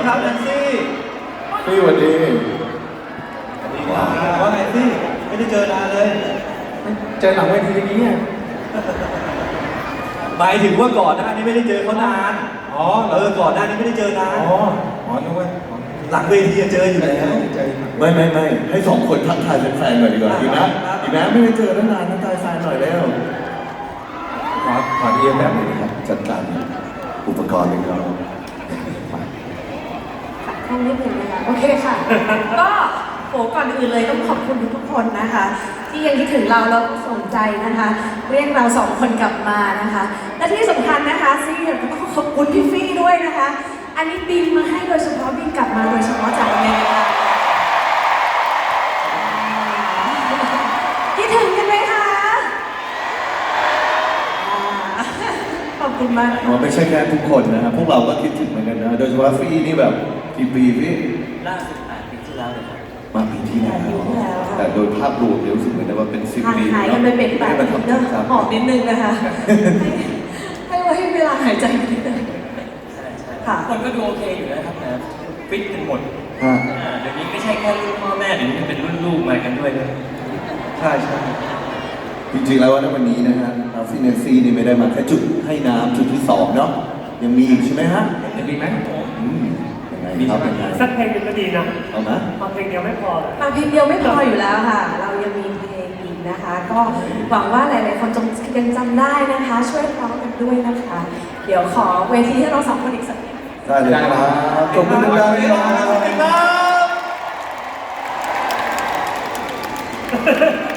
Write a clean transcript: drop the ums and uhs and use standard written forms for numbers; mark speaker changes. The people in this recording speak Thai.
Speaker 1: ครับแนนซี่
Speaker 2: พี่สวัสดี
Speaker 1: ว่าไงซี่ไม่ได้เจอนานเลย
Speaker 2: เจอหลังเวทีนี้เนี่ย
Speaker 1: หมายถึงว่าก่อนหน้านี้ไม่ได้เจอเขานานก่อนหน้านี้ไม่ได้เจอนาน
Speaker 2: นึกว่า
Speaker 1: หลังเวทีเจออยู่แล้ว
Speaker 3: ไม่ให้สองคนทักทายแฟนๆหน่อยดีกว่าดีนะไม่ได้เจอตั้งนานทักทายแฟนหน่อยแล้ว
Speaker 2: ขอเอียงแบบนี้ครับ
Speaker 3: จัดการอุปกรณ์เลยครับ
Speaker 4: ห้องนิดหนึ่งนะคะโอเคค่ะ ก็ก่อนอื่นเลยต้องขอบคุณทุกคนนะคะ ที่ยังคิดถึงเราแล้วก็สนใจนะคะ เรียกเราสองคนกลับมานะคะ และที่สำคัญนะคะซี่ก็ต้องขอบคุณพี่ฟี่ด้วยนะคะ อันนี้บินมาให้โดยเฉพาะบินกลับมาโดยเฉพาะจากอเมริกาคิดถึงกันไหมคะขอบคุณมาก
Speaker 3: ไม่ใช่แค่ทุกคนนะครับพวกเราก็คิดถึงเหมือนกันนะโดยเฉพาะฟี่นี่แบบกี่ปีพี่
Speaker 1: ล่าสุด8 ปีที่แล้วเลยครับ
Speaker 3: มาปีที่แล้วแต่โดยภาพรวมรู้สึกเหมือนว่าเป็น10 ปี
Speaker 4: หายกันไปเป็น8 ปีเนอะหอบนิดนึงนะคะให้เวลาหายใจนิดนึงค่ะ
Speaker 1: คนก็ดูโอเคอยู่นะครับนะฟิตกันหมดเดี๋ยวนี้ไม่ใช่แค่รุ่นพ่อแม่เดี๋ยวนี้เป็นรุ่นลูกมากันด้วยเลย
Speaker 3: ใช่จริงๆแล้ววันนี้นะฮะฟินเนซี่นี่ไม่ได้มาแค่จุดให้น้ำจุดที่2เนาะยังมีอีกใช่ไหมฮะ
Speaker 1: ยังมีไหม
Speaker 3: มีครับยังไง
Speaker 5: สักเพลงนึงก็ดีนะ
Speaker 3: เอาไหม
Speaker 5: ฟังเพลงเดียวไม่พอ
Speaker 4: ฟังเพลงเดียวไม่พออยู่แล้วค่ะเรายังมีเพลงอีกนะคะ ก็หวังว่าหลายๆคนยังจำได้นะคะ ช่วยร้องกันด้วยนะคะ เดี๋ยวขอเวทีให้เราสองคนอีกสักนิด
Speaker 3: ได้เลยครับจบมือดังๆครับ